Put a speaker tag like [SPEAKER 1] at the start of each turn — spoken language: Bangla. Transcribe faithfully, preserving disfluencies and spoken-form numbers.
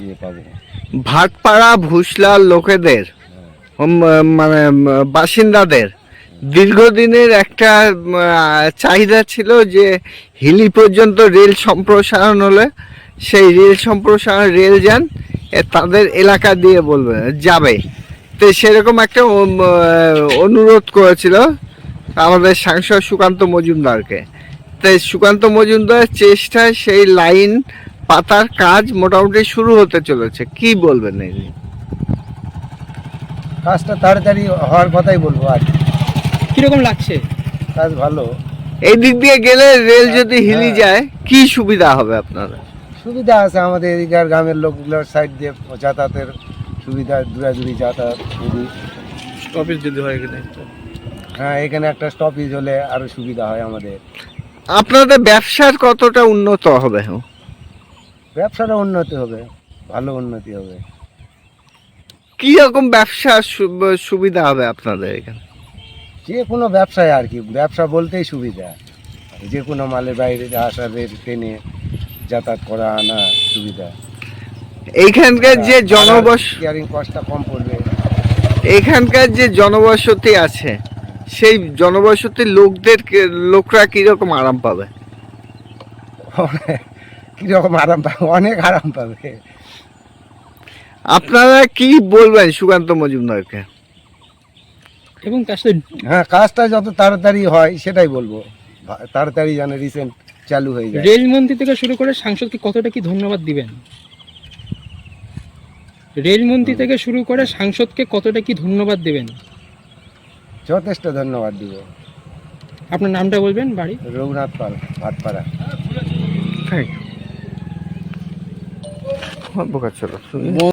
[SPEAKER 1] ইয়ে পাবো।
[SPEAKER 2] ভাটপাড়া ভুসলার লোকেদের উম, মানে উম, বাসিন্দাদের দীর্ঘদিনের একটা উম, আহ, চাহিদা ছিল যে হিলি পর্যন্ত রেল সম্প্রসারণ হলে সেই রেল সম্প্রসারণ রেল যান এ তাদের এলাকা দিয়ে বলবে যাবে। তো সেরকম একটা উম, আহ, অনুরোধ করেছিল আমাদের সাংসদ সুকান্ত মজুমদারকে। তাই সুকান্ত মজুমদারের চেষ্টায় সেই লাইন পাতার কাজ মোটামুটি শুরু হতে চলেছে, কি বলবেন এই নিয়ে?
[SPEAKER 1] কাজটা তাড়াতাড়ি হওয়ার কথাই বলবো। আর কি।
[SPEAKER 3] কিরকম লাগছে?
[SPEAKER 1] কাজ ভালো।
[SPEAKER 2] এই দিক দিয়ে গেলে রেল যদি হিলি
[SPEAKER 1] হ্যাঁ।
[SPEAKER 2] যায় কি সুবিধা হবে আপনাদের?
[SPEAKER 1] সুবিধা আছে আমাদের এদিকার গ্রামের লোকগুলোর সাইড দিয়ে যাতায়াতের সুবিধা, দূরাদূরি যাতায়াত খুবই।
[SPEAKER 3] স্টপেজ যদি হয় এখানে।
[SPEAKER 1] হ্যাঁ, এখানে একটা স্টপেজ হলে আরো সুবিধা হয় আমাদের।
[SPEAKER 2] আপনাদের ব্যবসার কতটা উন্নত হবে?
[SPEAKER 1] ব্যবসাটা উন্নতি হবে, ভালো উন্নতি হবে।
[SPEAKER 2] কি রকম ব্যবসা সু- সুবিধা হবে আপনাদের এখানে?
[SPEAKER 1] যে কোনো ব্যবসায় আর কি, ব্যবসা বলতেই সুবিধা। যে কোনো মালের বাইরে আসা, রেল ট্রেনে যাতায়াত করা আনা সুবিধা।
[SPEAKER 2] এইখানকার যে জনবস
[SPEAKER 1] কেয়ারিং কস্টটা কম পড়বে।
[SPEAKER 2] এইখানকার যে জনবসতি আছে সেই জনবসতির লোকদের কে- লোকরা কিরকম আরাম পাবে?
[SPEAKER 1] কিরকম আরাম পাবে? অনেক আরাম পাবে।
[SPEAKER 2] আপনারা কি বলবেন সুকান্ত মজুমদারকে?
[SPEAKER 3] এবং তার সাথে
[SPEAKER 1] হ্যাঁ, কাজটা যত তাড়াতাড়ি হয় সেটাই বলবো, ভা- তাড়াতাড়ি যেন রিসেন্ট চালু হয়ে যায়।
[SPEAKER 3] রেলমন্ত্রী থেকে শুরু করে সাংসদকে কতটা কি ধন্যবাদ দিবেন? রেলমন্ত্রী থেকে শুরু করে সাংসদকে কতটা কি ধন্যবাদ দেবেন?
[SPEAKER 1] যথেষ্ট ধন্যবাদ দিব।
[SPEAKER 3] আপনার নামটা বলবেন, বাড়ি?
[SPEAKER 1] রঘুনাথ পাল, ভাটপাড়া।
[SPEAKER 2] Thank you.